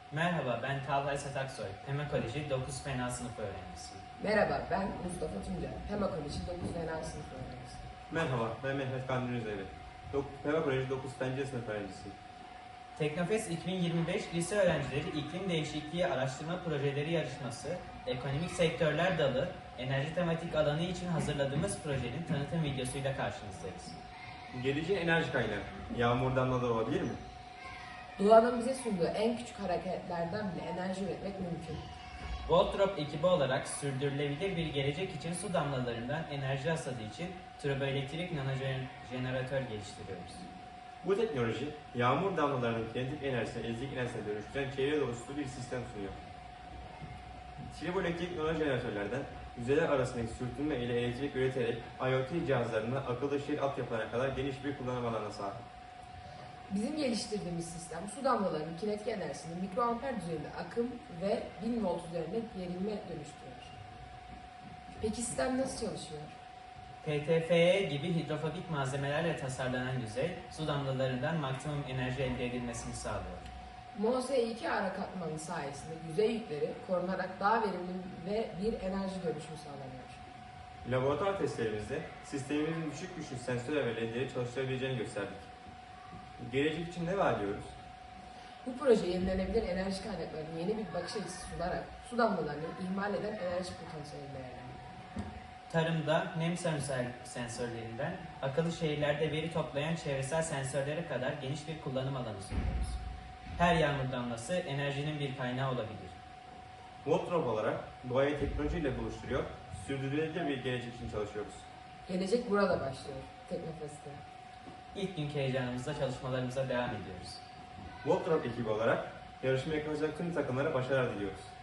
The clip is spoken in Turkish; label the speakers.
Speaker 1: Merhaba, ben Talha Esat Aksoy, Pema Koleji 9 Fena sınıf öğrencisiyim.
Speaker 2: Merhaba, ben Mustafa Tunca, Pema Koleji 9 Fena sınıf öğrencisiyim.
Speaker 3: Merhaba, ben Mehmet Kandil Üzevi. Pema Koleji 9 Pencere sınıf öğrencisiyim.
Speaker 1: Teknofest 2025 Lise Öğrencileri İklim Değişikliği Araştırma Projeleri Yarışması, Ekonomik Sektörler Dalı, Enerji Tematik alanı için hazırladığımız projenin tanıtım videosuyla karşınızdayız.
Speaker 3: Geleceğin enerji kaynağı, yağmur damlaları olabilir mi?
Speaker 2: Doğanın bize sunduğu en küçük hareketlerden bile enerji üretmek mümkün.
Speaker 1: Voltrop ekibi olarak sürdürülebilir bir gelecek için su damlalarından enerji hasadı için turboelektrik nanojeneratör geliştiriyoruz.
Speaker 3: Bu teknoloji, yağmur damlalarının kinetik enerjisine elektrik enerjisine dönüştüren çevre dostu bir sistem sunuyor. Turboelektrik nanojeneratörlerden yüzeyler arasındaki sürtünme ile elektrik üreterek IoT cihazlarına akıllı şehir altyapılarına kadar geniş bir kullanım alanına sahip.
Speaker 2: Bizim geliştirdiğimiz sistem su damlalarının kinetik enerjisini mikroamper düzeyinde akım ve 1000 volt üzerinde gerilme dönüştürüyor. Peki sistem nasıl çalışıyor?
Speaker 1: PTFE gibi hidrofobik malzemelerle tasarlanan yüzey, su damlalarından maksimum enerji elde edilmesini sağlıyor.
Speaker 2: MOS2 ara katmanı sayesinde yüzey yükleri korunarak daha verimli ve bir enerji dönüşümü sağlanıyor.
Speaker 3: Laboratuvar testlerimizde sistemimizin düşük güçlü sensör ve ledleri çalıştırabileceğini gösterdik. Gelecek için ne vaat ediyoruz?
Speaker 2: Bu proje yenilenebilir enerji kaynaklarının yeni bir bakış açısı sunarak su damlalarını ihmal eden enerji potansiyelini değerlendiriyor.
Speaker 1: Tarımda nem sensörlerinden akıllı şehirlerde veri toplayan çevresel sensörlere kadar geniş bir kullanım alanı sunuyoruz. Her yağmur damlası enerjinin bir kaynağı olabilir.
Speaker 3: Voltrop olarak doğayı teknolojiyle buluşturuyor, sürdürülebilir bir gelecek için çalışıyoruz.
Speaker 2: Gelecek burada başlıyor Teknofest'te.
Speaker 1: İlk günkü heyecanımızla çalışmalarımıza devam ediyoruz.
Speaker 3: Voltrop ekibi olarak yarışmaya katılacak tüm takımlara başarılar diliyoruz.